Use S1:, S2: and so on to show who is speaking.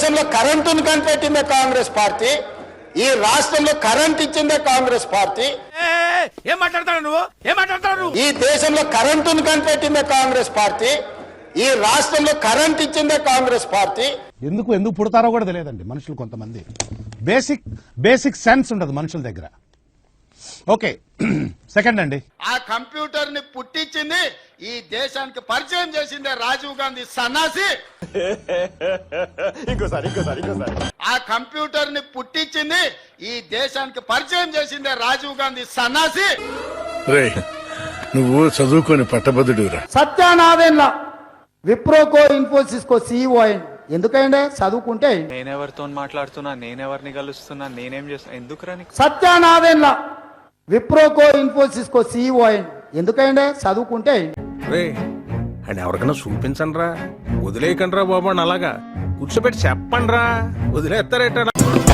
S1: దేశంలో కరెంటును కనిపెట్టిందే కాంగ్రెస్ పార్టీ, ఈ రాష్ట్రంలో కరెంట్ ఇచ్చిందే కాంగ్రెస్ పార్టీ.
S2: ఏం మాట్లాడతాడు నువ్వు? ఏం మాట్లాడతాడు?
S1: ఈ దేశంలో కరెంటును కనిపెట్టిందే కాంగ్రెస్ పార్టీ, ఈ రాష్ట్రంలో కరెంట్ ఇచ్చిందే కాంగ్రెస్ పార్టీ.
S3: ఎందుకు పుడతారో కూడా తెలియదండి మనుషులు. కొంతమంది బేసిక్ సెన్స్ ఉండదు మనుషుల దగ్గర. ఓకే, సెకండ్ అండి.
S1: ఆ కంప్యూటర్ ని పుట్టించింది, ఈ దేశానికి పరిచయం చేసిందే రాజీవ్ గాంధీ సన్నాసి.
S4: ఇంకోసారి
S1: ఆ కంప్యూటర్ ని పుట్టించింది, ఈ దేశానికి పరిచయం చేసిందే రాజీవ్ గాంధీ సన్నాసి.
S5: నువ్వు చదువుకొని పట్టభద్రుడురా.
S6: సత్యానాదేన్ల విప్రోకో ఇన్ఫోసిస్ కో సీఈఓ అయింది. ఎందుకంటే చదువుకుంటే
S7: నేనెవరితో మాట్లాడుతున్నా, నేనెవరిని కలుస్తున్నా, నేనేం చేస్తున్నా, ఎందుకురా నీకు?
S6: సత్యానాదేన్ల విప్రోకో ఇన్ఫోసిస్ కో సీఈఓ అయింది. ఎందుకంటే చదువుకుంటే
S2: అని ఎవరికైనా చూపించండి రా, వదిలేయకండి రా బాబు. అలాగా కూర్చోబెట్టి చెప్పండి రా, వదిలేస్తారేట.